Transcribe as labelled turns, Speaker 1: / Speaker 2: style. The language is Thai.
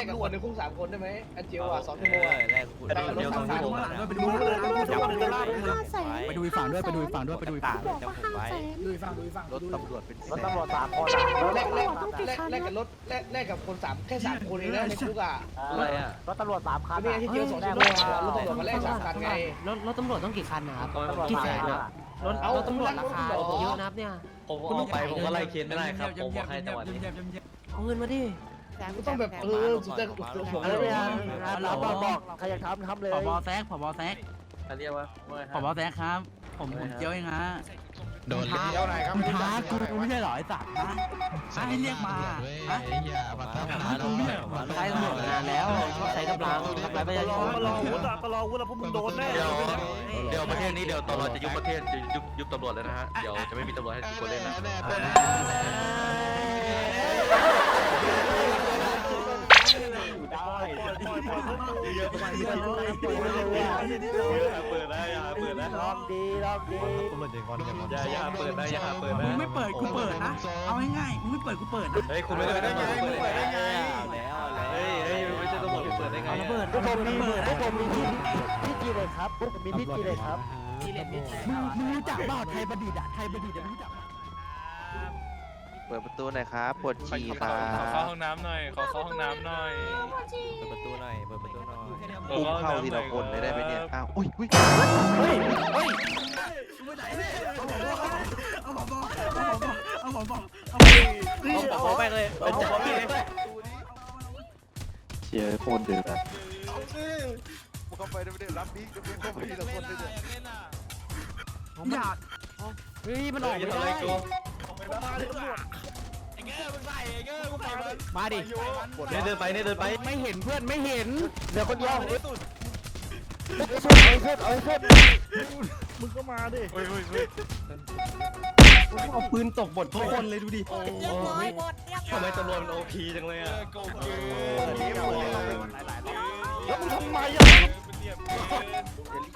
Speaker 1: กับคนในคุก3 คนได้ไหมอันเจียวอ่ะ2 ชั่วโมงอ่ะ
Speaker 2: แรกคุณเดียว2 ชั่วโมงนะ
Speaker 3: ไปดูอีกฝั่งด้วยไปดูอีกฝั่งด้วยไปดูอีกฝั่ง
Speaker 2: จำผมไว้
Speaker 3: ดูอีกฝั่งดูอีกฝั่ง
Speaker 2: รถตำรวจเป็น
Speaker 4: รถตำรวจ3 คน
Speaker 1: แลกกับรถแลกกับคน3แค่3 คนเองนะในคุกอ่ะ
Speaker 2: อะไรอ่ะ
Speaker 4: รถตำรวจ3 คัน
Speaker 1: นี่ที่เจียว2 ชั่วโมงรถตำรวจมาแลก3 คันไง
Speaker 5: รถตำรวจต้องกี่คันนะครับ
Speaker 4: ตำรวจ
Speaker 5: กี่แสน
Speaker 4: 3
Speaker 5: อะรถตำรวจราคาเยอะนะครับเนี่ย
Speaker 2: ผมออกไปผมก็ไล่เคสไม่ได้ครับผมบอกให้จังหวะนี้
Speaker 5: เอาเงินมาดิ
Speaker 1: ต้องแบบสุดจะผม
Speaker 4: เออเราบอกใครอยากทำเลย
Speaker 3: ผบแซกผบแซก
Speaker 2: เขาเรียกว่า
Speaker 3: ผบแซกครับผมเจียวเองฮะ
Speaker 6: โดนเลี้ยวไหนครับ
Speaker 3: มึงท้ากูไม่ใช่เหรอไอ้สัตว์นะให้เรียกมาฮะ
Speaker 6: อย่ามาทำ
Speaker 3: ท้ากูไม่ใช่เหรอ
Speaker 5: ใช้ตำรวจนานแล้วชอบใช้กำลังทำร้ายประชาชน
Speaker 4: ก็รอวุฒิแล้วพวกมึงโดนแน่
Speaker 2: เดี๋ยวประเทศนี้เดี๋ยวตำรวจจะยุบประเทศจะยุบตำรวจเลยนะฮะเดี๋ยวจะไม่มีตำรวจให้ทุกคนเล่นนะ
Speaker 4: เปิดได้รอบดีอย่าเปิดนะ
Speaker 3: มึงไม่เปิดกูเปิดนะเอาง่ายๆมึงไม่เปิดกูเปิดนะ
Speaker 2: เฮ้ยคุณไม่ได้ไงมึงเปิดได้ไงเฮ้ยไม่ใช่ตำรวจเปิดได้ไง
Speaker 5: เอาระเบิด
Speaker 4: พวกผมมีที่จีเลยครับพวกผมมีที่จีเลยครับ
Speaker 5: ที่เล่นมิด
Speaker 3: มึงรู้จักเปล่าไทยประดิษฐ์อะไทยประดิษฐ์รู้จัก
Speaker 7: เปิดประตูหน่อยครับปวดฉี่ครั
Speaker 8: ขอเข้า
Speaker 7: บ
Speaker 8: ห้องน้ำหน่อย ขอเข้าห้องน้ำหน่อย
Speaker 2: เปิดประตูหน่อยเปิดประตูหน่อย
Speaker 7: อุ้มเข้าทีละคนเลยได้ไหมเนี่ยอ้าวอุ้ย
Speaker 3: เอาผบเอาผบ
Speaker 2: ขอแม่งเลยเป็นจับพี่
Speaker 7: เชียร์โคตรเดือด
Speaker 6: เข้าไปได้ไม่ได้รับนี้จะเป็นเข้าไปทีละคนเลยเนี่ย
Speaker 3: อย่า
Speaker 5: เฮ้ยมันออกไม่ได้มาดิ
Speaker 2: เนี่ยเดินไปเนี่ยเดินไป
Speaker 5: ไม่เห็นเพื่อนไม่เห็น
Speaker 4: เดี๋ยวคนเดียวเอาให้สุด
Speaker 6: มึงก็มาดิ
Speaker 3: เอาปืนตกบททุกคนเลยดูดิ
Speaker 2: ทำไมตำรวจมันโอพีจังเลยอ่ะ
Speaker 6: แล้วมึงทำไมอ่ะ